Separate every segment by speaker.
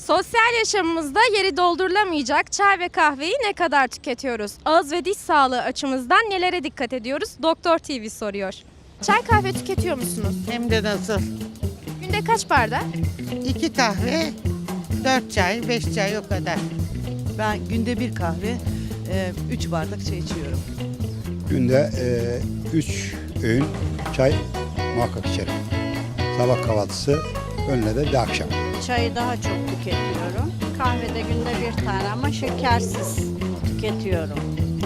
Speaker 1: Sosyal yaşamımızda yeri doldurulamayacak çay ve kahveyi ne kadar tüketiyoruz? Ağız ve diş sağlığı açımızdan nelere dikkat ediyoruz? Doktor TV soruyor. Çay kahve tüketiyor musunuz?
Speaker 2: Hem de nasıl?
Speaker 1: Günde kaç bardak?
Speaker 2: 2 kahve, 4 çay, 5 çay o kadar.
Speaker 3: Ben günde bir kahve, 3 bardak çay içiyorum.
Speaker 4: Günde 3 öğün çay muhakkak içerim. Sabah kahvaltısı, önüne de bir akşam.
Speaker 5: Çayı daha çok tüketiyorum. Kahvede günde bir tane ama şekersiz tüketiyorum.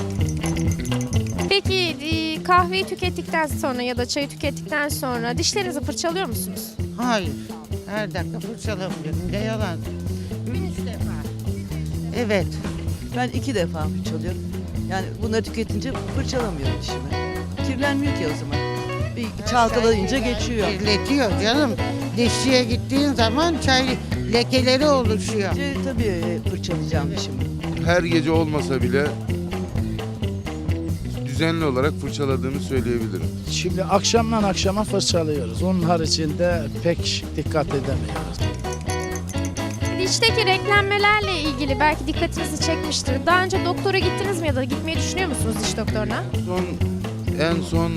Speaker 1: Peki kahveyi tükettikten sonra ya da çayı tükettikten sonra dişlerinizi fırçalıyor musunuz?
Speaker 2: Hayır, her dakika fırçalamıyorum. Ne yalan. Gün 3 defa. Evet.
Speaker 3: Ben 2 defa fırçalıyorum. Yani bunları tüketince fırçalamıyorum dişimi. Kirlenmiyor ki o zaman. Bir çalkalayınca geçiyor.
Speaker 2: Kirletiyor canım. Dişçiye gittiğin zaman çay lekeleri oluşuyor.
Speaker 3: Tabii fırçalayacağım dişimi.
Speaker 6: Her gece olmasa bile düzenli olarak fırçaladığımı söyleyebilirim.
Speaker 7: Şimdi akşamdan akşama fırçalıyoruz. Onun haricinde pek dikkat edemiyoruz.
Speaker 1: Dişteki renklenmelerle ilgili belki dikkatinizi çekmiştir. Daha önce doktora gittiniz mi ya da gitmeyi düşünüyor musunuz diş doktoruna?
Speaker 6: En son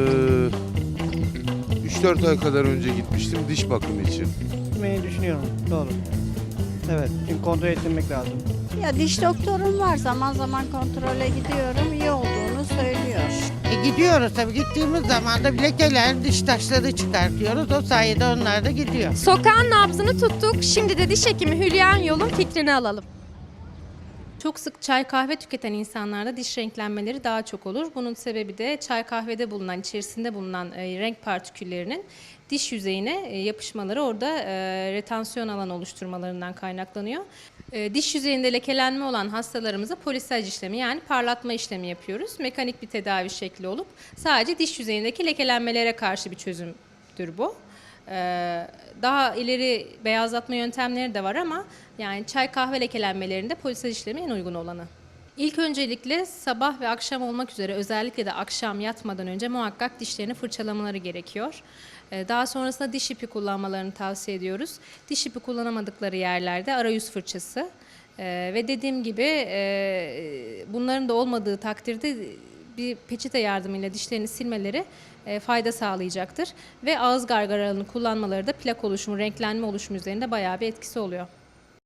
Speaker 6: 3-4 ay kadar önce gitmiştim diş bakımı için.
Speaker 8: Gitmeyi düşünüyorum. Doğru. Evet. Çünkü kontrol ettirmek lazım.
Speaker 5: Ya diş doktorum var, zaman zaman kontrole gidiyorum. İyi olduğunu söylüyor.
Speaker 2: Gidiyoruz tabii. Gittiğimiz zaman da lekeler, diş taşları çıkartıyoruz. O sayede onlar da gidiyor.
Speaker 1: Sokağın nabzını tuttuk. Şimdi de diş hekimi Hülya Yol'un fikrini alalım.
Speaker 9: Çok sık çay kahve tüketen insanlarda diş renklenmeleri daha çok olur. Bunun sebebi de çay kahvede bulunan, içerisinde bulunan renk partiküllerinin diş yüzeyine yapışmaları, orada retansiyon alanı oluşturmalarından kaynaklanıyor. Diş yüzeyinde lekelenme olan hastalarımıza polisaj işlemi, yani parlatma işlemi yapıyoruz. Mekanik bir tedavi şekli olup sadece diş yüzeyindeki lekelenmelere karşı bir çözümdür bu. Daha ileri beyazlatma yöntemleri de var ama yani çay kahve lekelenmelerinde polisaj işlemi en uygun olanı. İlk öncelikle sabah ve akşam olmak üzere, özellikle de akşam yatmadan önce muhakkak dişlerini fırçalamaları gerekiyor. Daha sonrasında diş ipi kullanmalarını tavsiye ediyoruz. Diş ipi kullanamadıkları yerlerde arayüz fırçası ve dediğim gibi bunların da olmadığı takdirde bir peçete yardımıyla dişlerini silmeleri fayda sağlayacaktır. Ve ağız gargaralarını kullanmaları da plak oluşumu, renklenme oluşumu üzerinde bayağı bir etkisi oluyor.